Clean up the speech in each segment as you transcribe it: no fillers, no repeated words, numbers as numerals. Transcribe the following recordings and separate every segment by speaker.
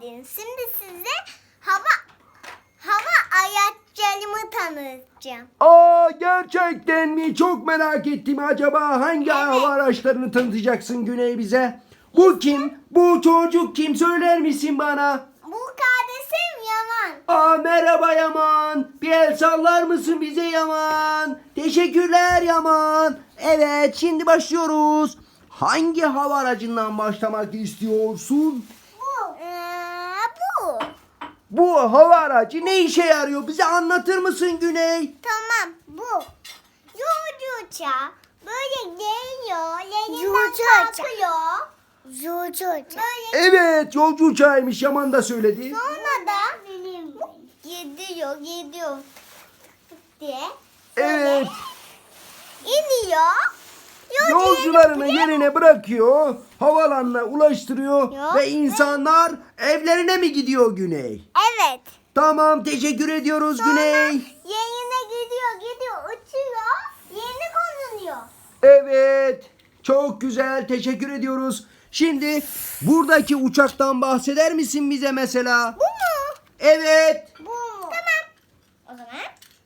Speaker 1: geldiniz. Şimdi size hava araçlarımı tanıtacağım.
Speaker 2: Aa, gerçekten mi? Çok merak ettim. Acaba hangi hava araçlarını tanıtacaksın Güney bize? Bu kim? Bu çocuk kim? Söyler misin bana?
Speaker 1: Bu kardeşim Yaman.
Speaker 2: Aa, merhaba Yaman. Bir el sallar mısın bize Yaman? Teşekkürler Yaman. Evet, şimdi başlıyoruz. Hangi hava aracından başlamak istiyorsun?
Speaker 1: Bu. Bu.
Speaker 2: Bu hava aracı ne işe yarıyor? Bize anlatır mısın Güney?
Speaker 1: Tamam bu. Yolcu uçağı. Böyle geliyor. Yerinden kalkıyor. Yolcu uçağı. Böyle
Speaker 2: Evet, yolcu uçağıymış. Yaman da söyledi.
Speaker 1: sonra da gidiyor diye.
Speaker 2: Evet.
Speaker 1: İniyor.
Speaker 2: Yolcularını yerine bırakıyor, havalanına ulaştırıyor
Speaker 1: Yok.
Speaker 2: ve insanlar evlerine mi gidiyor Güney?
Speaker 1: Evet.
Speaker 2: Tamam, teşekkür ediyoruz Güney.
Speaker 1: Yerine gidiyor uçuyor. Yerine konuyor.
Speaker 2: Evet, çok güzel, teşekkür ediyoruz. Şimdi buradaki uçaktan bahseder misin bize mesela?
Speaker 1: Bu mu?
Speaker 2: Evet,
Speaker 1: Bu mu? Tamam. O zaman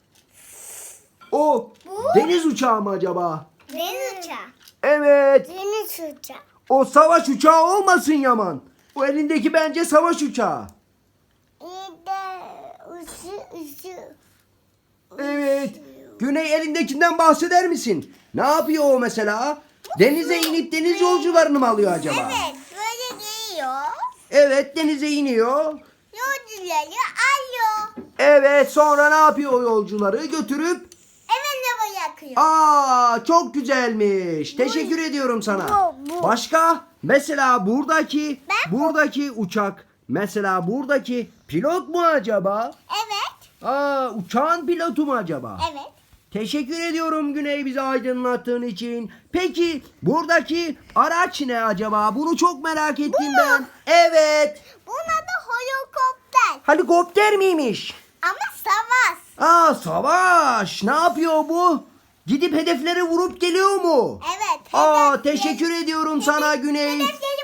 Speaker 2: o
Speaker 1: Bu?
Speaker 2: deniz uçağı mı acaba?
Speaker 1: deniz uçağı.
Speaker 2: Evet,
Speaker 1: Deniz uçağı.
Speaker 2: o savaş uçağı olmasın Yaman. O elindeki bence savaş uçağı.
Speaker 1: İyi de uçu.
Speaker 2: Evet. Güney elindekinden bahseder misin? Ne yapıyor o mesela? Denize inip deniz yolcularını mı alıyor acaba?
Speaker 1: Evet. Böyle geliyor.
Speaker 2: Evet, denize iniyor.
Speaker 1: Yolcuları alıyor.
Speaker 2: Evet, sonra ne yapıyor o yolcuları? Götürüp
Speaker 1: Evine bırakıyor.
Speaker 2: aa, çok güzelmiş. Teşekkür ediyorum sana.
Speaker 1: bu.
Speaker 2: Başka? Mesela buradaki
Speaker 1: Ben
Speaker 2: uçak. Mesela buradaki pilot mu acaba?
Speaker 1: Evet.
Speaker 2: Aa, uçağın pilotu mu acaba?
Speaker 1: Evet.
Speaker 2: Teşekkür ediyorum Güney, bizi aydınlattığın için. Peki buradaki araç ne acaba? Bunu çok merak ettim ben. Evet.
Speaker 1: Bunun adı helikopter.
Speaker 2: Helikopter miymiş?
Speaker 1: Ama savaş.
Speaker 2: Aa, savaş. Ne yapıyor bu? Gidip hedefleri vurup geliyor mu?
Speaker 1: Evet.
Speaker 2: Aa, teşekkür ediyorum sana Güney.
Speaker 1: Hedefleri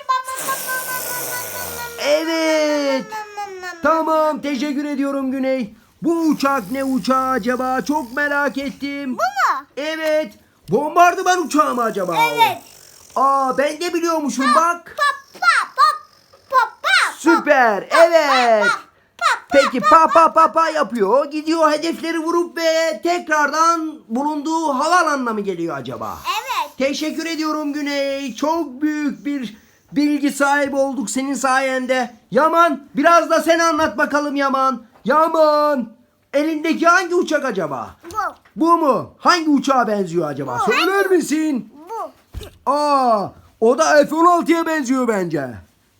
Speaker 2: Evet. Tamam, teşekkür ediyorum Güney. Bu uçak ne uçağı acaba? Çok merak ettim.
Speaker 1: Bu mu?
Speaker 2: Evet. Bombardıman uçağı mı acaba? o?
Speaker 1: Evet.
Speaker 2: Aa, ben de biliyormuşum bak.
Speaker 1: Pop.
Speaker 2: Süper. Evet. Peki pa yapıyor. Gidiyor hedefleri vurup ve tekrardan bulunduğu havaalanına mı geliyor acaba?
Speaker 1: Evet.
Speaker 2: Teşekkür ediyorum Güney. Çok büyük bir bilgi sahibi olduk senin sayende. Yaman, biraz da sen anlat bakalım Yaman. Yaman, elindeki hangi uçak acaba?
Speaker 1: Bu.
Speaker 2: Bu mu? Hangi uçağa benziyor acaba?
Speaker 1: Bu.
Speaker 2: Söyler misin?
Speaker 1: Bu.
Speaker 2: Aa, o da F-16'ya benziyor bence.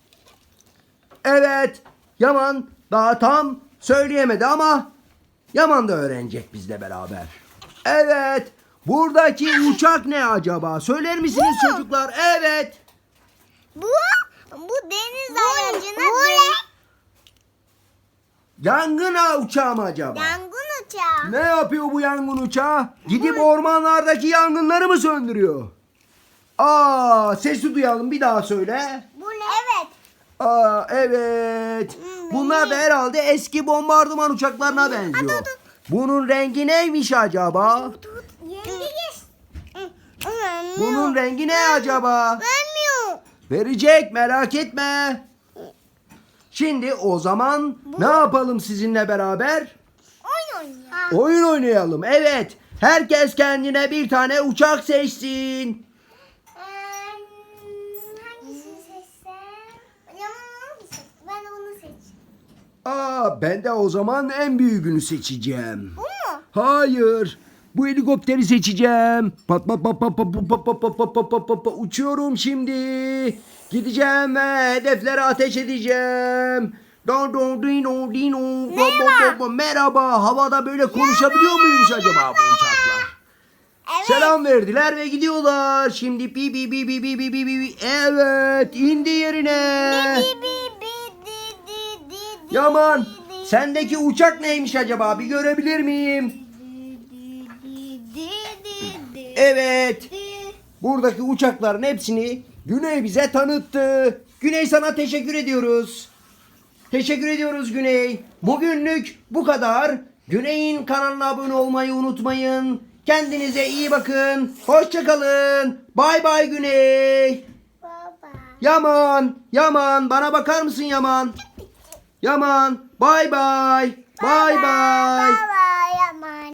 Speaker 2: Evet, Yaman daha tam söyleyemedi ama Yaman da öğrenecek bizle beraber. Evet, buradaki uçak ne acaba? Söyler misiniz
Speaker 1: Bu.
Speaker 2: çocuklar? Evet.
Speaker 1: Bu deniz aracına
Speaker 2: Yangın uçağı mı acaba?
Speaker 1: yangın uçağı.
Speaker 2: Ne yapıyor bu yangın uçağı? Gidip ormanlardaki yangınları mı söndürüyor? Aa, sesi duyalım, bir daha söyle.
Speaker 1: Bu ne? Evet.
Speaker 2: Aa, evet. Bunlar da herhalde eski bombardıman uçaklarına benziyor. Bunun rengi neymiş acaba?
Speaker 1: Yengeç.
Speaker 2: Bunun rengi ne acaba?
Speaker 1: Vermiyor.
Speaker 2: Verecek, merak etme. Şimdi o zaman ne yapalım sizinle beraber?
Speaker 1: Oyun oynuyor.
Speaker 2: Oyun oynayalım. Evet. Herkes kendine bir tane uçak seçsin.
Speaker 1: Hangisini seçsem? Yaman hangisi? Ben onu seç.
Speaker 2: Aa, ben de o zaman en büyüğünü seçeceğim.
Speaker 1: Bu mu?
Speaker 2: Hayır. Bu helikopteri seçeceğim. Pat pat pat pat pat pat pat pat pat pat pat pat pat. Uçuyorum şimdi. Gideceğim ve hedeflere ateş edeceğim.
Speaker 1: Merhaba.
Speaker 2: Merhaba. Havada böyle konuşabiliyor muymuş acaba bu uçaklar?
Speaker 1: Evet.
Speaker 2: Selam verdiler ve gidiyorlar. Şimdi bi bi bi bi bi bi bi bi. Evet, indi yerine.
Speaker 1: Bi, bi, bi, di, di, di, di,
Speaker 2: Yaman,
Speaker 1: di, di,
Speaker 2: sendeki uçak neymiş acaba? Bir görebilir miyim?
Speaker 1: di.
Speaker 2: Evet. Buradaki uçakların hepsini Güney bize tanıttı. Güney, sana teşekkür ediyoruz. Teşekkür ediyoruz Güney. Bugünlük bu kadar. Güney'in kanalına abone olmayı unutmayın. Kendinize iyi bakın. Hoşça kalın. Bay bay Güney.
Speaker 1: Baba.
Speaker 2: Yaman bana bakar mısın Yaman? Yaman bay bay. Bay bay.
Speaker 1: Baba.